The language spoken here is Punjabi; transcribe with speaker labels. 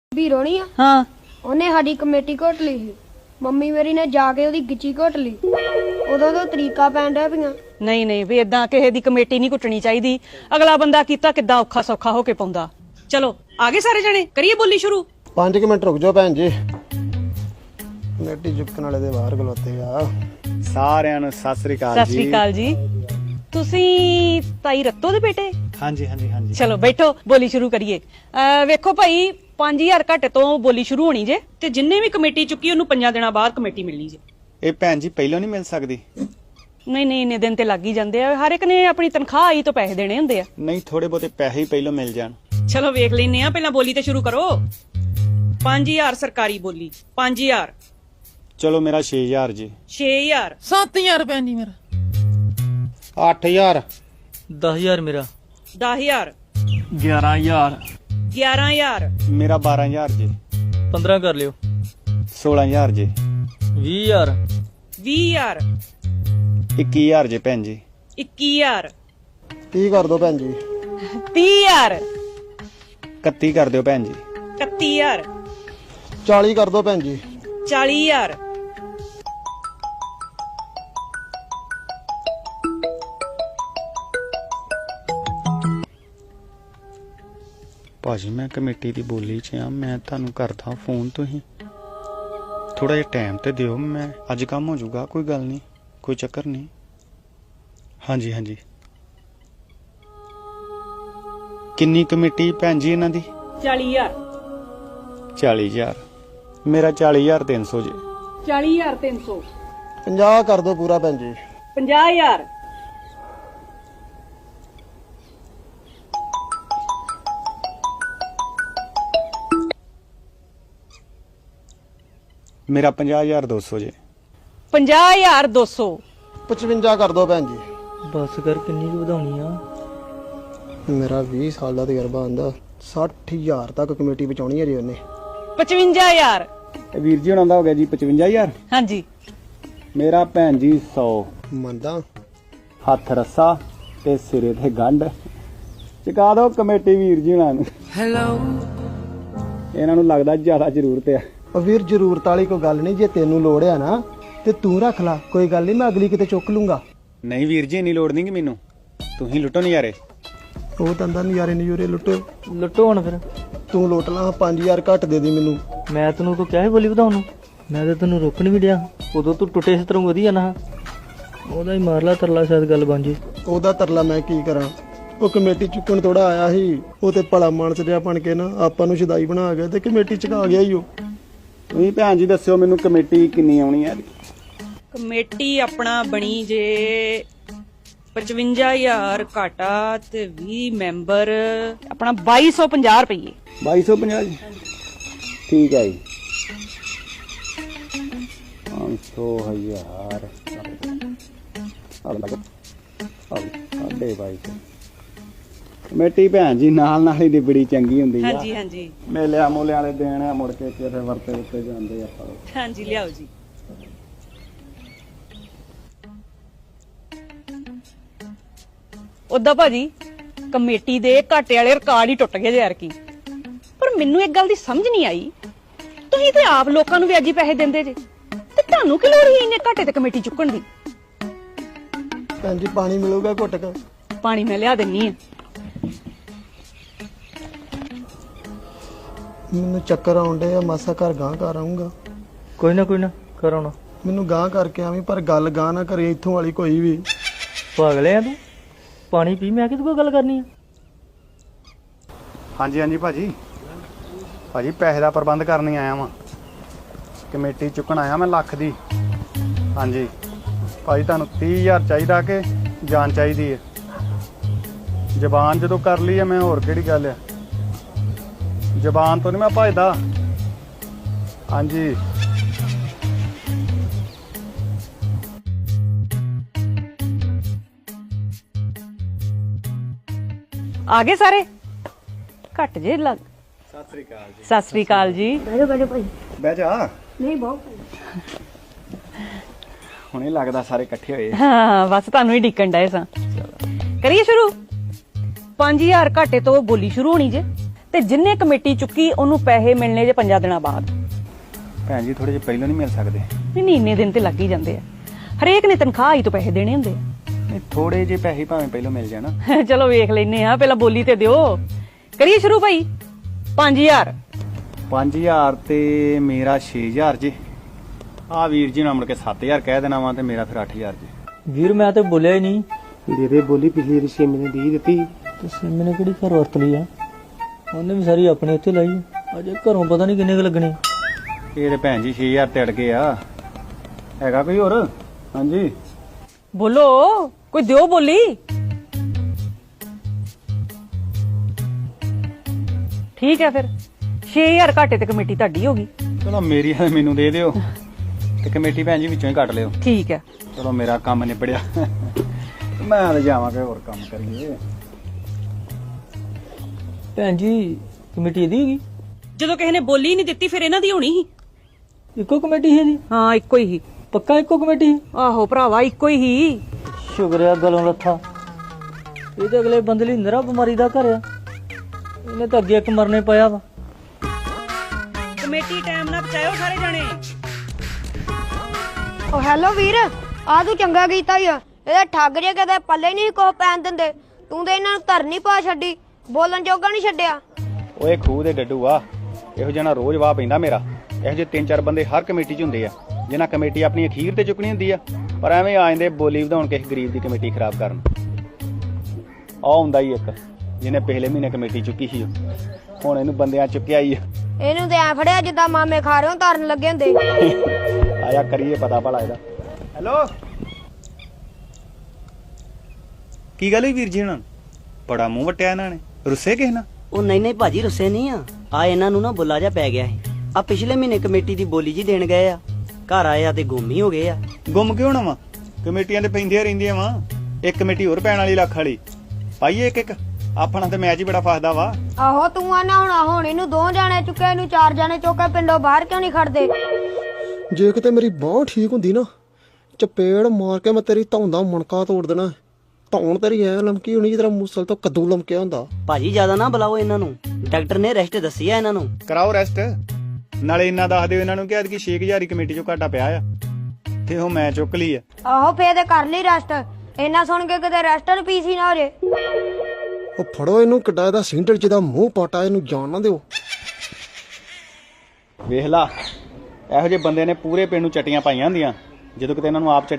Speaker 1: ਵੀਰੋ ਨਹੀਂ ਆ
Speaker 2: ਹਾਂ
Speaker 1: ਉਹਨੇ ਸਾਡੀ ਕਮੇਟੀ ਘੋਟ ਲਈ ਸੀ। ਮੰਮੀ ਮੇਰੀ ਨੇ ਜਾ ਕੇ ਉਹਦੀ ਗਿੱਚੀ ਘੋਟ ਲਈ। ਉਦੋਂ ਤੋਂ ਤਰੀਕਾ ਪੈਣ ਡਿਆ ਪਈਆਂ।
Speaker 2: ਨਹੀਂ ਨਹੀਂ ਵੀ ਇਦਾਂ ਕਿਸੇ ਦੀ ਕਮੇਟੀ ਨਹੀਂ ਕੁੱਟਣੀ ਚਾਹੀਦੀ। ਅਗਲਾ ਬੰਦਾ ਕੀਤਾ ਕਿੱਦਾਂ ਔਖਾ ਸੌਖਾ ਹੋ ਕੇ ਪਾਉਂਦਾ। ਚਲੋ ਆਗੇ ਸਾਰੇ ਜਣੇ ਕਰੀਏ ਬੋਲੀ ਸ਼ੁਰੂ।
Speaker 3: 5 ਮਿੰਟ ਰੁਕ ਜਾਓ ਭੈਣ ਜੀ, ਕਮੇਟੀ ਚੁੱਕਣ ਵਾਲੇ ਦੇ ਬਾਹਰ ਖਲੋਤੇ ਆ।
Speaker 4: ਸਾਰਿਆਂ ਨੂੰ ਸਤਿ ਸ੍ਰੀ ਅਕਾਲ
Speaker 2: ਸਤਿ ਸ੍ਰੀ ਅਕਾਲ ਜੀ। ਤੁਸੀਂ ਤਾਈ ਰੱਤੋ ਦੇ ਬੇਟੇ?
Speaker 4: ਹਾਂਜੀ ਹਾਂਜੀ ਹਾਂਜੀ।
Speaker 2: ਚਲੋ ਬੈਠੋ ਬੋਲੀ ਸ਼ੁਰੂ ਕਰੀਏ। ਵੇਖੋ ਭਾਈ 5000 ਘੱਟ ਤੋਂ ਬੋਲੀ ਸ਼ੁਰੂ ਹੋਣੀ ਜੇ ਤੇ ਜਿੰਨੇ ਵੀ ਕਮੇਟੀ ਚੁੱਕੀ ਉਹਨੂੰ 5 ਦਿਨਾਂ ਬਾਅਦ ਕਮੇਟੀ ਮਿਲਣੀ ਜੇ।
Speaker 4: ਇਹ ਭੈਣ ਜੀ ਪਹਿਲਾਂ ਨਹੀਂ ਮਿਲ ਸਕਦੀ?
Speaker 2: ਨਹੀਂ ਨਹੀਂ ਇੰਨੇ ਦਿਨ ਤੇ ਲੱਗ ਹੀ ਜਾਂਦੇ ਆ। ਹਰ ਇੱਕ ਨੇ ਆਪਣੀ ਤਨਖਾਹ ਆਈ ਤੋਂ ਪੈਸੇ ਦੇਣੇ ਹੁੰਦੇ ਆ।
Speaker 4: ਨਹੀਂ ਥੋੜੇ ਬਹੁਤੇ ਪੈਸੇ ਹੀ ਪਹਿਲਾਂ ਮਿਲ ਜਾਣ।
Speaker 2: ਚਲੋ ਵੇਖ ਲੈਨੇ ਆ, ਪਹਿਲਾਂ ਬੋਲੀ ਤੇ ਸ਼ੁਰੂ ਕਰੋ। 5000 ਸਰਕਾਰੀ ਬੋਲੀ। 5000।
Speaker 4: ਚਲੋ ਮੇਰਾ 6000 ਜੀ।
Speaker 2: 6000।
Speaker 5: 7000 ਰੁਪਏ ਨਹੀਂ ਮੇਰਾ।
Speaker 3: 8000
Speaker 5: 10000 ਮੇਰਾ।
Speaker 2: 10000।
Speaker 5: 11000
Speaker 2: 11000।
Speaker 4: ਮੇਰਾ 12000 ਜੀ।
Speaker 5: 15 ਕਰ ਲਿਓ।
Speaker 4: 16000 ਜੀ।
Speaker 5: 20000
Speaker 2: 20000।
Speaker 4: 21000 ਜੀ ਭੈਣ ਜੀ।
Speaker 2: 21000।
Speaker 3: 30 ਕਰ ਦੋ ਭੈਣ ਜੀ।
Speaker 2: 30000।
Speaker 4: 31 ਕਰ ਦਿਓ ਭੈਣ ਜੀ।
Speaker 2: 31000।
Speaker 3: 40 ਕਰ ਦੋ ਭੈਣ ਜੀ।
Speaker 2: 40000।
Speaker 4: ਭਾਜੀ ਮੈਂ ਕਮੇਟੀ ਦੀ ਬੋਲੀ 'ਚ ਆ, ਮੈਂ ਤੁਹਾਨੂੰ ਕਰਦਾ ਫੋਨ। ਤੁਸੀਂ ਥੋੜਾ ਜਿਹਾ ਟਾਈਮ ਤੇ ਦਿਓ, ਮੈਂ ਅੱਜ ਕੰਮ ਹੋ ਜਾਊਗਾ। ਕੋਈ ਗੱਲ ਨਹੀਂ, ਕੋਈ ਚੱਕਰ ਨਹੀਂ। ਹਾਂਜੀ ਹਾਂਜੀ। ਕਿੰਨੀ ਕਮੇਟੀ ਭੈਣ ਜੀ ਇਹਨਾਂ ਦੀ?
Speaker 2: 40000।
Speaker 4: 40000। ਮੇਰਾ 40300 ਜੀ।
Speaker 2: 40300।
Speaker 3: 50 ਕਰ ਦੋ ਪੂਰਾ ਭੈਣ ਜੀ।
Speaker 2: 50000।
Speaker 4: ਮੇਰਾ 50200 ਜੀ।
Speaker 2: 50200।
Speaker 3: 55 ਕਰ ਦੋ ਭੈਣ ਜੀ।
Speaker 5: ਬਸ ਕਰ, ਕਿੰਨੀ ਕੁ ਵਧਾਉਣੀ ਆ?
Speaker 3: ਮੇਰਾ 20 ਸਾਲ ਦਾ ਤਜਰਬਾ ਆਂਦਾ। 60000 ਤੱਕ ਕਮੇਟੀ ਬਚਾਉਣੀ ਹੈ ਜੀ ਉਹਨੇ।
Speaker 2: 55000।
Speaker 4: ਵੀਰ ਜੀ ਹੁਣਾਂ ਦਾ ਹੋ ਗਿਆ ਜੀ 55000।
Speaker 2: ਹਾਂਜੀ।
Speaker 4: ਮੇਰਾ ਭੈਣ ਜੀ 100।
Speaker 3: ਮੰਨਦਾ
Speaker 4: ਹੱਥ ਰੱਸਾ ਤੇ ਸਿਰੇ ਤੇ ਗੰਢ ਚੁਕਾ ਦਿਓ ਕਮੇਟੀ ਵੀਰ ਜੀ ਹੁਣਾਂ ਨੂੰ।
Speaker 5: ਹੈਲੋ।
Speaker 4: ਇਹਨਾਂ ਨੂੰ ਲੱਗਦਾ ਜ਼ਿਆਦਾ ਜ਼ਰੂਰਤ ਆ।
Speaker 3: ਉਹ ਵੀਰ ਜ਼ਰੂਰਤ ਵਾਲੀ ਕੋਈ ਗੱਲ ਨਹੀਂ। ਜੇ ਤੈਨੂੰ ਲੋੜ ਆ ਨਾ ਤੇ ਤੂੰ ਰੱਖ ਲੈ, ਕੋਈ ਗੱਲ ਨਹੀਂ, ਮੈਂ ਅਗਲੀ ਕਿਤੇ ਚੁੱਕ ਲੂੰਗਾ।
Speaker 4: ਨਹੀਂ ਵੀਰ ਜੀ ਇੰਨੀ ਲੋੜ ਨਹੀਂ ਕਿ ਮੈਨੂੰ, ਤੁਸੀਂ ਲੁੱਟੋ ਨਜ਼ਾਰੇ।
Speaker 3: ਉਹ ਤੰਦਾ ਨਜ਼ਾਰੇ ਲੁੱਟੋ।
Speaker 5: ਲੁੱਟੋ ਹੁਣ ਫਿਰ।
Speaker 3: ਤੂੰ ਲੁੱਟ ਲਾ। 5000 ਘੱਟ ਦੇ ਦੀ ਮੈਨੂੰ।
Speaker 5: ਮੈਂ ਤੈਨੂੰ ਕੋ ਕਿਹਾ ਸੀ ਬੋਲੀ ਵਧਾਉਣ ਨੂੰ? ਮੈਂ ਤਾਂ ਤੈਨੂੰ ਰੋਕਣ ਵੀ ਡਿਆ। ਉਦੋਂ ਤੂੰ ਟੁੱਟੇ ਇਸ ਤਰ੍ਹਾਂ ਵਧੀਆ ਨਾ। ਉਹਦਾ ਹੀ ਮਾਰ ਲਾ ਤਰਲਾ, ਸ਼ਾਇਦ ਗੱਲ ਬਣ ਜੇ।
Speaker 3: ਉਹਦਾ ਤਰਲਾ ਮੈਂ ਕੀ ਕਰਾਂ? ਉਹ ਕਮੇਟੀ ਚੁੱਕਣ ਥੋੜਾ ਆਇਆ ਸੀ। ਉਹ ਤੇ ਭਲਾ ਮਾਨਸ ਜਿਹਾ ਬਣ ਕੇ ਨਾ ਆਪਾਂ ਨੂੰ ਸ਼ਦਾਈ ਬਣਾ ਗਿਆ ਤੇ ਕਮੇਟੀ ਚੁਕਾ ਗਿਆ ਹੀ ਉਹ।
Speaker 4: ਤੁਸੀਂ ਭੈਣ ਜੀ ਦੱਸਿਓ ਮੈਨੂੰ ਕਮੇਟੀ ਕਿੰਨੀ ਆਉਣੀ ਹੈ?
Speaker 2: ਕਮੇਟੀ ਆਪਣਾ ਬਣੀ ਜੇ 55000 ਘਾਟਾ ਤੇ 20 ਮੈਂਬਰ ਆਪਣਾ 2250 ਰੁਪਏ।
Speaker 4: 2250 ਜੀ। ਠੀਕ ਹੈ ਜੀ। 500,000 ਸਾਢੇ 2200। ਕਮੇਟੀ ਭੈਣ ਜੀ ਨਾਲ ਨਾਲ ਹੀ ਦੀ ਬੜੀ ਚੰਗੀ ਹੁੰਦੀ ਆ।
Speaker 2: ਹਾਂਜੀ ਹਾਂਜੀ
Speaker 4: ਮੇਲਿਆਂ ਮੂਲਿਆਂ ਵਾਲੇ ਦੇਣ ਆ, ਮੁੜ ਕੇ ਫਿਰ ਵਰਤੇ ਉੱਤੇ ਜਾਂਦੇ ਆਪਾਂ।
Speaker 2: ਹਾਂਜੀ ਲਿਆਓ ਜੀ। ਉਦਾਂ ਭਾਜੀ ਕਮੇਟੀ ਦੇ ਘਾਟੇ ਵਾਲੇ ਰਿਕਾਰਡ ਹੀ ਟੁੱਟ ਗਏ ਯਾਰ। ਕੀ ਪਰ ਮੈਨੂੰ ਇੱਕ ਗੱਲ ਦੀ ਸਮਝ ਨਹੀਂ ਆਈ, ਤੁਸੀਂ ਤੇ ਆਪ ਲੋਕਾਂ ਨੂੰ ਵਿਆਜੀ ਪੈਸੇ ਦਿੰਦੇ ਜੇ ਤੇ ਤੁਹਾਨੂੰ ਕੀ ਲੋੜ ਸੀ ਇੰਨੇ ਘਾਟੇ ਤੇ ਕਮੇਟੀ ਚੁੱਕਣ ਦੀ?
Speaker 3: ਭੈਣ ਜੀ ਪਾਣੀ ਮਿਲੂਗਾ ਘੁੱਟ ਕੇ?
Speaker 2: ਪਾਣੀ ਮੈਂ ਲਿਆ ਦਿੰਨੀ ਆ।
Speaker 3: ਮੈਨੂੰ ਚੱਕਰ ਆਉਂਦੇ ਆ, ਮਾਸਾ ਘਰ ਗਾਂ ਕਰ ਆਉਂਗਾ।
Speaker 5: ਕੋਈ ਨਾ ਕਰਾਉਣਾ।
Speaker 3: ਮੈਨੂੰ ਗਾਂ ਕਰਕੇ ਆਵੀਂ, ਪਰ ਗੱਲ ਗਾਂ ਨਾ ਕਰੇ ਇੱਥੋਂ ਵਾਲੀ ਕੋਈ ਵੀ।
Speaker 5: ਪਾਗਲੇ ਆ ਤੂੰ? ਪਾਣੀ ਪੀ, ਮੈਂ ਕਿਹਦੇ ਕੋਲ ਗੱਲ ਕਰਨੀ ਆ?
Speaker 4: ਹਾਂਜੀ ਹਾਂਜੀ ਭਾਜੀ। ਭਾਜੀ ਪੈਸੇ ਦਾ ਪ੍ਰਬੰਧ ਕਰਨ ਹੀ ਆਇਆ ਵਾਂ। ਕਮੇਟੀ ਚੁੱਕਣ ਆਇਆ ਮੈਂ ਲੱਖ ਦੀ। ਹਾਂਜੀ ਭਾਜੀ ਤੁਹਾਨੂੰ 30000 ਚਾਹੀਦਾ ਕਿ ਜਾਨ ਚਾਹੀਦੀ ਹੈ? ਜ਼ਬਾਨ ਜਦੋਂ ਕਰ ਲਈ ਹੈ ਮੈਂ, ਹੋਰ ਕਿਹੜੀ ਗੱਲ ਹੈ? ਜ਼ਬਾਨ ਤੋਂ ਨਹੀਂ ਮੈਂ ਭਜਦਾ। ਹਾਂਜੀ
Speaker 2: ਆ ਗਏ ਸਾਰੇ? ਘੱਟ ਜੇ ਲੱਗ।
Speaker 4: ਸਤਿ ਸ੍ਰੀ ਅਕਾਲ ਜੀ।
Speaker 2: ਸਤਿ ਸ੍ਰੀ ਅਕਾਲ ਜੀ।
Speaker 1: ਬੈਠੋ ਭਾਈ।
Speaker 4: ਬਹਿ ਜਾ।
Speaker 1: ਨਹੀਂ ਬਹੁਤ
Speaker 4: ਹੁਣੇ ਲੱਗਦਾ ਸਾਰੇ ਇਕੱਠੇ ਹੋਏ।
Speaker 2: ਹਾਂ ਬਸ ਤੁਹਾਨੂੰ ਹੀ ਡਿੱਕਣ ਡਏ ਸਾਂ। ਕਰੀਏ ਸ਼ੁਰੂ। 5000 ਘਾਟੇ ਤੋਂ ਬੋਲੀ ਸ਼ੁਰੂ ਹੋਣੀ ਜੇ ਤੇ ਜਿੰਨੇ ਕਮੇਟੀ ਚੁੱਕੀ ਉਹਨੂੰ ਪੈਸੇ ਮਿਲਣੇ ਜੇ 5 ਦਿਨਾਂ ਬਾਅਦ।
Speaker 4: ਭੈਣ ਜੀ ਥੋੜੇ ਜਿਹੇ ਪਹਿਲਾਂ ਨਹੀਂ ਮਿਲ ਸਕਦੇ?
Speaker 2: ਨਹੀਂ ਇੰਨੇ ਦਿਨ ਤੇ ਲੱਗ ਹੀ ਜਾਂਦੇ ਆ, ਹਰੇਕ ਨੇ ਤਨਖਾਹ ਹੀ ਤੋਂ ਪੈਸੇ ਦੇਣੇ ਹੁੰਦੇ
Speaker 4: ਨਹੀਂ ਥੋੜੇ ਜਿਹੇ ਪੈਸੇ ਭਾਵੇਂ ਪਹਿਲਾਂ ਮਿਲ ਜਾਣ।
Speaker 2: ਆ। ਚਲੋ ਵੇਖ ਲੈਨੇ ਆ, ਪਹਿਲਾਂ ਬੋਲੀ ਤੇ ਦਿਓ। ਕਰੀਏ ਸ਼ੁਰੂ ਭਾਈ। 5000
Speaker 4: 5000 ਤੇ ਮੇਰਾ 6000 ਜੀ। ਆ ਵੀਰ ਜੀ ਨੂੰ ਮੁੜ ਕੇ 7000 ਕਹਿ ਦੇਣਾ ਵਾ ਤੇ ਮੇਰਾ ਫਿਰ 8000 ਜੀ।
Speaker 5: ਵੀਰ ਮੈਂ ਤੇ ਬੋਲਿਆ ਹੀ ਨਹੀਂ।
Speaker 3: ਦੇ ਦੇ ਬੋਲੀ, ਪਿਛਲੀ ਰਿਸ਼ੇ ਨੇ ਦੇ ਦਿੱਤੀ।
Speaker 5: ਤੇ ਸਿੰਮੀ ਨੇ ਕਿਹੜੀ ਘਰ ਵਰਤ ਲਈ ਆ? ਉਹਨੇ ਵੀ ਸਾਰੀ ਆਪਣੇ ਉੱਤੇ ਲਾਈ ਆ। ਅਜੇ ਘਰੋਂ ਪਤਾ ਨਹੀਂ ਕਿੰਨੇ ਕੁ ਲੱਗਣੇ।
Speaker 4: ਇਹ ਤੇ ਭੈਣ ਜੀ 6000 ਤੇ ਅੜ ਗਏ ਆ। ਹੈਗਾ ਕੋਈ ਹੋਰ? ਹਾਂਜੀ
Speaker 2: ਬੋਲੋ, ਕੋਈ ਦਿਓ ਬੋਲੀ। ਠੀਕ ਹੈ ਫਿਰ 6000 ਘਾਟੇ ਤੇ ਕਮੇਟੀ ਤੁਹਾਡੀ ਹੋ ਗਈ।
Speaker 4: ਚਲੋ ਮੇਰੀ ਹੈ ਮੈਨੂੰ ਦੇ ਦਿਓ ਤੇ ਕਮੇਟੀ ਭੈਣ ਜੀ ਵਿੱਚੋਂ ਹੀ ਕੱਟ ਲਿਓ।
Speaker 2: ਠੀਕ ਹੈ।
Speaker 4: ਚਲੋ ਮੇਰਾ ਕੰਮ ਨਿਬੜਿਆ। ਮੈਂ ਤਾਂ ਜਾਵਾਂਗੇ ਹੋਰ ਕੰਮ ਕਰੀਏ।
Speaker 5: ਭੈਣ ਜੀ ਕਮੇਟੀ ਇਹਦੀ ਹੈਗੀ?
Speaker 2: ਜਦੋਂ ਕਿਸੇ ਨੇ ਬੋਲੀ ਨਹੀਂ ਦਿੱਤੀ ਫਿਰ ਇਹਨਾਂ ਦੀ ਹੋਣੀ ਸੀ।
Speaker 5: ਇੱਕੋ ਕਮੇਟੀ ਹੈ ਜੀ?
Speaker 2: ਹਾਂ ਇੱਕੋ ਹੀ ਸੀ।
Speaker 5: ਪੱਕਾ ਇੱਕੋ ਕਮੇਟੀ?
Speaker 2: ਆਹੋ ਭਰਾਵਾ ਇੱਕੋ ਹੀ ਸੀ।
Speaker 5: ਸ਼ੁਕਰ ਆ ਗਲੋਂ ਲੱਥਾ। ਇਹ ਤਾਂ ਅਗਲੇ ਬੰਦੇ ਲਈ ਨਰਾ ਬਿਮਾਰੀ ਦਾ ਘਰ ਆ। ਇਹਨੇ ਤਾਂ ਅੱਗੇ ਇੱਕ ਮਰਨੇ ਪਿਆ ਵਾ।
Speaker 2: ਕਮੇਟੀ ਟਾਈਮ ਨਾਲ ਪਹੁੰਚਾਇਓ ਸਾਰੇ ਜਾਣੇ।
Speaker 1: ਓ ਹੈਲੋ ਵੀਰ, ਆ ਤੂੰ ਚੰਗਾ ਕੀਤਾ ਈ ਆ। ਇਹਦੇ ਠੱਗ ਜੇ ਕਦੇ ਪੱਲੇ ਨਹੀਂ ਕੋ ਪੈਣ ਦਿੰਦੇ। ਤੂੰ ਤੇ ਇਹਨਾਂ ਨੂੰ ਧਰਨੀ ਪਾ ਛੱਡੀ, ਬੋਲਣ ਜੋਗਾ ਨਹੀਂ ਛੱਡਿਆ।
Speaker 4: ਓਏ ਖੂਹ ਦੇ ਡੱਡੂ ਆ, ਇਹੋ ਜਿਹਾ ਨਾ ਰੋਜ਼ ਵਾਹ ਪੈਂਦਾ ਮੇਰਾ। ਇਹੋ ਜਿਹੇ 3-4 ਬੰਦੇ ਹਰ ਕਮੇਟੀ 'ਚ ਹੁੰਦੇ ਆ ਜਿਨ੍ਹਾਂ ਕਮੇਟੀ ਆਪਣੀ ਅਖੀਰ ਤੇ ਚੁੱਕਣੀ ਹੁੰਦੀ ਆ, ਪਰ ਐਵੇਂ ਆ ਜਾਂਦੇ ਬੋਲੀ ਵਧਾਉਣ ਕਿਸੇ ਗਰੀਬ ਦੀ ਕਮੇਟੀ ਖਰਾਬ ਕਰਨ। ਆ ਹੁੰਦਾ ਹੀ ਇੱਕ ਜਿਹਨੇ ਪਿਛਲੇ ਮਹੀਨੇ ਕਮੇਟੀ ਚੁੱਕੀ ਸੀ, ਹੁਣ ਇਹਨੂੰ ਬੰਦਿਆਂ ਚੁੱਕਿਆ ਹੀ ਆ।
Speaker 1: ਇਹਨੂੰ ਤੇ ਐ ਫੜਿਆ ਜਿੱਦਾਂ ਮਾਮੇ ਖਾ ਰਹੇ ਹੋ ਧਰਨ ਲੱਗੇ ਹੁੰਦੇ।
Speaker 4: ਆਇਆ ਕਰੀਏ ਪਤਾ ਭਲਾ ਇਹਦਾ। ਹੈਲੋ ਕੀ ਗੱਲ ਹੋਈ ਵੀਰ ਜੀ? ਹੁਣ ਬੜਾ ਮੂੰਹ ਵਟਿਆ ਇਹਨਾਂ ਨੇ, ਰੁੱਸੇ ਕਿਸ ਨਾਲ?
Speaker 6: ਉਹ ਨਹੀਂ ਭਾਜੀ ਰੁੱਸੇ ਨਹੀਂ ਆ ਇਹਨਾਂ ਨੂੰ ਨਾ ਬੁੱਲਾ ਜਾ ਪੈ ਗਿਆ ਸੀ। ਆ ਪਿਛਲੇ ਮਹੀਨੇ ਕਮੇਟੀ ਦੀ ਬੋਲੀ ਜੀ ਦੇਣ ਗਏ ਆ, ਘਰ ਆਏ ਆ ਤੇ ਗੁੰਮ ਹੀ ਹੋ ਗਏ ਆ।
Speaker 4: ਗੁੰਮ ਕਿਉਂ ਨਾ ਵਾ? ਕਮੇਟੀਆਂ ਤੇ ਪੈਂਦੀਆਂ ਰਹਿੰਦੀਆਂ ਵਾ। ਇੱਕ ਕਮੇਟੀ ਹੋਰ ਪੈਣ ਵਾਲੀ ਲੱਖ ਵਾਲੀ ਪਾਈਏ ਇੱਕ। ਆਪਣਾ ਤੇ ਮੈਚ ਹੀ ਬੜਾ ਫਸਦਾ ਵਾ।
Speaker 1: ਆਹੋ ਤੂੰ ਆ ਨਾ ਹੁਣ ਇਹਨੂੰ 2 ਜਾਣੇ ਚੁੱਕੇ, ਇਹਨੂੰ 4 ਜਾਣੇ ਚੁੱਕੇ, ਪਿੰਡੋਂ ਬਾਹਰ ਕਿਉਂ ਨਹੀਂ ਖੜਦੇ?
Speaker 3: ਜੇ ਕਿਤੇ ਮੇਰੀ ਬਾਂਹ ਠੀਕ ਹੁੰਦੀ ਨਾ, ਚਪੇੜ ਮਾਰ ਕੇ ਮੈਂ ਤੇਰੀ ਧੌਣ ਦਾ ਮਣਕਾ ਤੋੜ ਦੇਣਾ। ਧੌਣ ਤੇਰੀ ਐ ਲਮਕੀ ਹੋਣੀ ਜਿਸ ਤਰ੍ਹਾਂ ਮੂਸਲ ਤੋਂ ਕੱਦੂ ਲਮਕਿਆ ਹੁੰਦਾ।
Speaker 6: ਭਾਜੀ ਜ਼ਿਆਦਾ ਨਾ ਬੁਲਾਓ ਇਹਨਾਂ ਨੂੰ, ਡਾਕਟਰ ਨੇ ਰੈਸਟ ਦੱਸੀ ਆ ਇਹਨਾਂ ਨੂੰ।
Speaker 4: ਕਰਾਓ ਰੈਸਟ। ਨਾਲੇ ਇੰਨਾ ਦੱਸ ਦਿਓ ਇਹਨਾਂ ਨੂੰ ਕਿ ਐਤਕੀ 6000 ਕਮੇਟੀ ਚੋਂ ਘਾਟਾ ਪਿਆ ਆ ਤੇ ਉਹ ਮੈਂ ਚੁੱਕ ਲਈ ਆ।
Speaker 1: ਆਹੋ ਫੇਰ ਤੇ ਕਰ ਲਈ ਰੈਸਟ। ਇਹਨਾਂ ਸੁਣ ਕੇ ਕਿਤੇ ਰੈਸਟਰ ਪੀਸੀ ਨਾ ਹੋ ਜੇ।
Speaker 3: ਉਹ ਫੜੋ ਇਹਨੂੰ, ਕਿੱਡਾ ਇਹਦਾ ਸਿੰਡਲ ਜਿਹਦਾ ਮੂੰਹ ਪਾਟਾ, ਇਹਨੂੰ ਜਾਣ ਨਾ ਦਿਓ।
Speaker 4: ਵੇਖ ਲਾ ਇਹੋ ਜਿਹੇ ਬੰਦੇ ਨੇ ਪੂਰੇ ਪਿੰਡ ਨੂੰ ਚਟੀਆਂ ਪਾਈਆਂ ਹੁੰਦੀਆਂ, ਜਦੋਂ ਕਿਤੇ ਇਹਨਾਂ ਨੂੰ ਆਪ